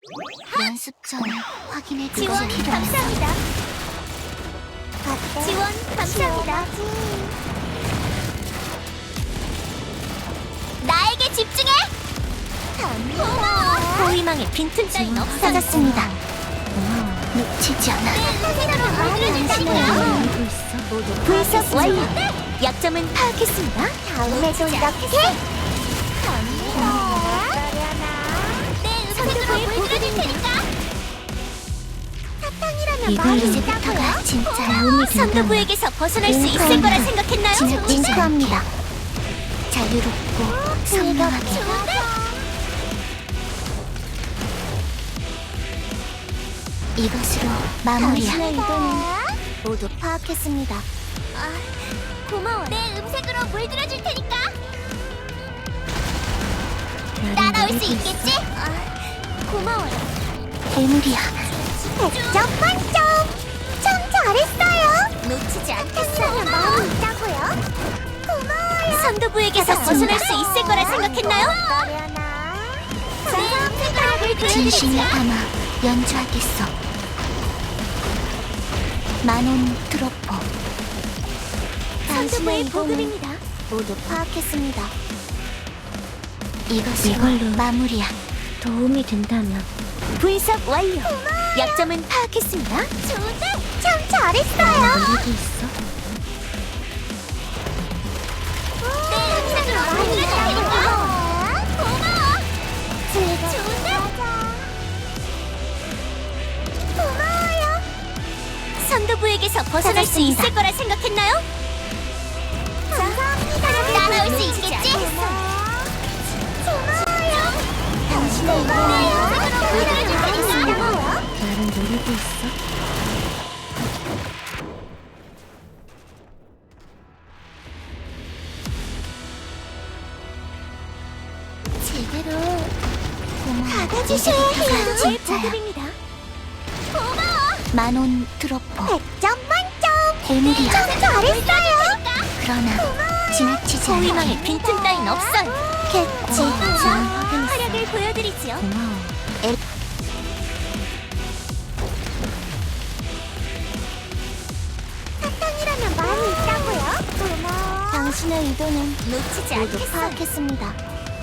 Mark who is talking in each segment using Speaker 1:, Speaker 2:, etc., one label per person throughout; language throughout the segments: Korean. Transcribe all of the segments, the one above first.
Speaker 1: 연습 전에 확인해
Speaker 2: 지원 감사합니다. 지원 감사합니다. 나에게 집중해. 고마워.
Speaker 1: 호위망에 빈틈 따윈 없어졌습니다. 놓치지 않아. 분석 완료. 약점은 파악했습니다.
Speaker 2: 다음에도 이렇게. 내 음색으로 보여드릴 테니까. 사탕이라면
Speaker 1: 이걸
Speaker 2: 많이
Speaker 1: 이제부터가
Speaker 2: 있다고요?
Speaker 1: 진짜 도움이 된다면
Speaker 2: 선두부에게서 벗어날 수 있을 거라 생각했나요?
Speaker 1: 링크합니다. 자유롭고 선명하게 이것으로 마무리야.
Speaker 2: 당신의 이동은 모두 파악했습니다. 고마워. 내 음색으로 물들어줄 테니까. 따라올 수 있겠지? 고마워요.
Speaker 1: 괴물이야.
Speaker 2: 100점 만점! 참 잘했어요! 놓치지 않겠어요. 마음이 있다고요? 고마워요. 선두부에게서 벗어날 수 있을 거라 생각했나요? 내 음색으로 물들어줄
Speaker 1: 진심을
Speaker 2: 테니까.
Speaker 1: 담아 연주하겠어. 마논 트로포.
Speaker 2: 선두부의 보급입니다.
Speaker 1: 모두 파악했습니다. 이걸로 마무리야. 도움이 된다면 분석 완료. 약점은 파악했습니다.
Speaker 2: 좋은데? 참 잘했어요.
Speaker 1: 노리고 있어.
Speaker 2: 내 음색으로 물들어줄 테니까. 고마워. 좋은데? 고마워요. 선두부에게서 벗어날 수
Speaker 1: 찾았습니다.
Speaker 2: 있을 거라 생각했나요? 감사합니다. 따라올 수 있겠지? 고마워요.
Speaker 1: 당신의
Speaker 2: 내 음색으로 물들어줄 테니까.
Speaker 1: 나를 노리고 있어.
Speaker 2: 제대로
Speaker 1: 고마워.
Speaker 2: 받아주셔야 해요. 제
Speaker 1: 진짜야.
Speaker 2: 보급입니다. 고마워.
Speaker 1: 마논 트로포.
Speaker 2: 100점 만점.
Speaker 1: 괴물이야.
Speaker 2: 참 잘했어요.
Speaker 1: 그러나 지나치지 않아.
Speaker 2: 호위망에 빈틈 따윈 없어요.
Speaker 1: 겠지.
Speaker 2: 활약을 보여드리지요.
Speaker 1: 고마워.
Speaker 2: 사탕이라면 많이 있다고요? 고마워.
Speaker 1: 당신의 의도는
Speaker 2: 놓치지
Speaker 1: 모두
Speaker 2: 않겠어요.
Speaker 1: 파악했습니다.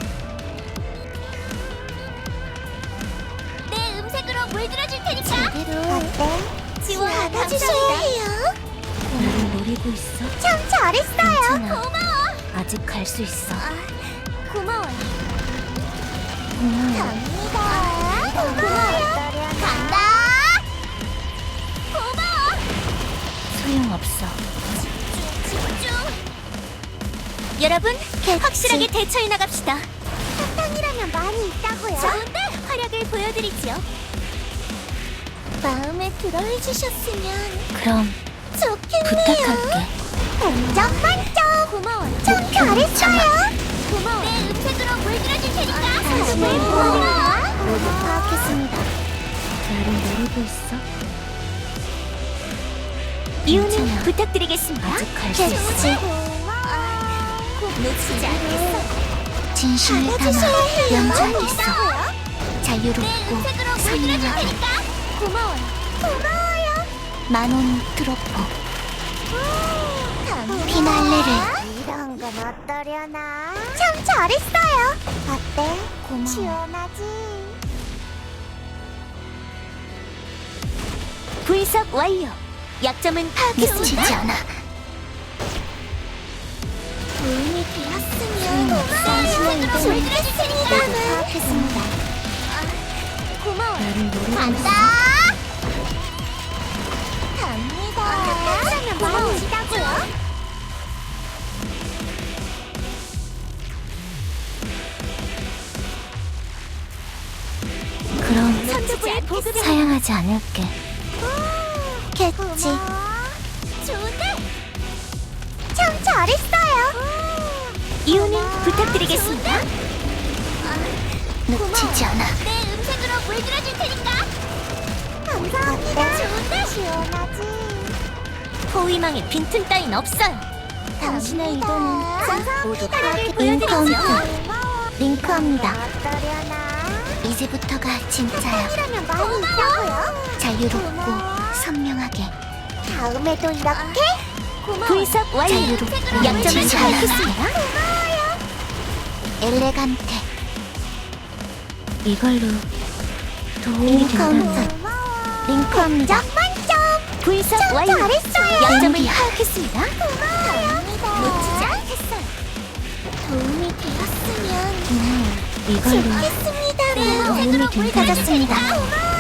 Speaker 2: 내 음색으로 물들어줄 테니까.
Speaker 1: 제대로
Speaker 2: 지원
Speaker 1: 받아주셔야
Speaker 2: 감사합니다.
Speaker 1: 나를 노리고 있어.
Speaker 2: 참 잘했어요.
Speaker 1: 괜찮아.
Speaker 2: 고마워.
Speaker 1: 아직 갈 수 있어.
Speaker 2: 고마워요.
Speaker 1: 고마워.
Speaker 2: 갑니다. 고마워요. 간다. 고마워.
Speaker 1: 소용없어.
Speaker 2: 집중. 여러분, 확실하게 대처해 나갑시다. 사탕이라면 많이 있다고요. 좋은데 활약을 보여드리지요. 마음에 들어해주셨으면
Speaker 1: 그럼
Speaker 2: 좋겠네요.
Speaker 1: 부탁할게.
Speaker 2: 100점 만점. 고마워요. 참
Speaker 1: 목표
Speaker 2: 잘했어요. 고마워. 내 음색으로 물들어줄 테니까.
Speaker 1: 당신의
Speaker 2: 고마워.
Speaker 1: 모두 파악했습니다. 나를 노리고 있어.
Speaker 2: 이유는
Speaker 1: 괜찮아.
Speaker 2: 부탁드리겠습니다.
Speaker 1: 아직 갈 수 있어.
Speaker 2: 놓치지 않겠어.
Speaker 1: 진심을 담아 연주하겠어.
Speaker 2: 내
Speaker 1: 자유롭고
Speaker 2: 음색으로 물들어줄
Speaker 1: 선명하게
Speaker 2: 테니까. 고마워요. 고마워요.
Speaker 1: 마논 트로포. 피날레를.
Speaker 2: 이런 건 어떠려나? 참 잘했어요. 어때?
Speaker 1: 고마워.
Speaker 2: 시원하지? 분석 완료. 약점은
Speaker 1: 놓치지 않아.
Speaker 2: 도움이 되었으면
Speaker 1: 당신의 의도는 모두
Speaker 2: 물들어주시니까.
Speaker 1: 파악했습니다.
Speaker 2: 고마워.
Speaker 1: 나를 노리고
Speaker 2: 간다.
Speaker 1: 있어.
Speaker 2: 갑니다. 고마워. 시다고요?
Speaker 1: 그럼
Speaker 2: 선두부의 보급이
Speaker 1: 사양하지 않을게.
Speaker 2: 겠지. 좋은데? 참 잘했어요. 이유는 부탁드리겠습니다.
Speaker 1: 놓치지 않아.
Speaker 2: 내 음색으로 물들어줄 테니까. 감사합니다. 좋은데? 시원하지. 호위망에 빈틈 따윈 없어요.
Speaker 1: 당신의 의도는 모두
Speaker 2: 파악해
Speaker 1: 파악해. 인카운트.
Speaker 2: 보여드리죠.
Speaker 1: 링크합니다.
Speaker 2: 어떠려나?
Speaker 1: 이제부터가 진짜야.
Speaker 2: 사랑이라면 많이 있다고요?
Speaker 1: 자유롭고 선명하게.
Speaker 2: 다음에도 이렇게? 고마워.
Speaker 1: 분석 완료.
Speaker 2: 자유롭고
Speaker 1: 약점을 잘
Speaker 2: 진짜야.
Speaker 1: 알겠습니다. 엘레간테. 이걸로 도움이 된다면 링컨입니다.
Speaker 2: 만점!
Speaker 1: 분석
Speaker 2: 참
Speaker 1: 완료.
Speaker 2: 잘했어요.
Speaker 1: 약점을 파악했습니다.
Speaker 2: 고마워요. 놓치지 않겠어요. 도움이 되었으면
Speaker 1: 이걸로
Speaker 2: 좋겠습니다.
Speaker 1: 도움이 된다면
Speaker 2: 고마워요.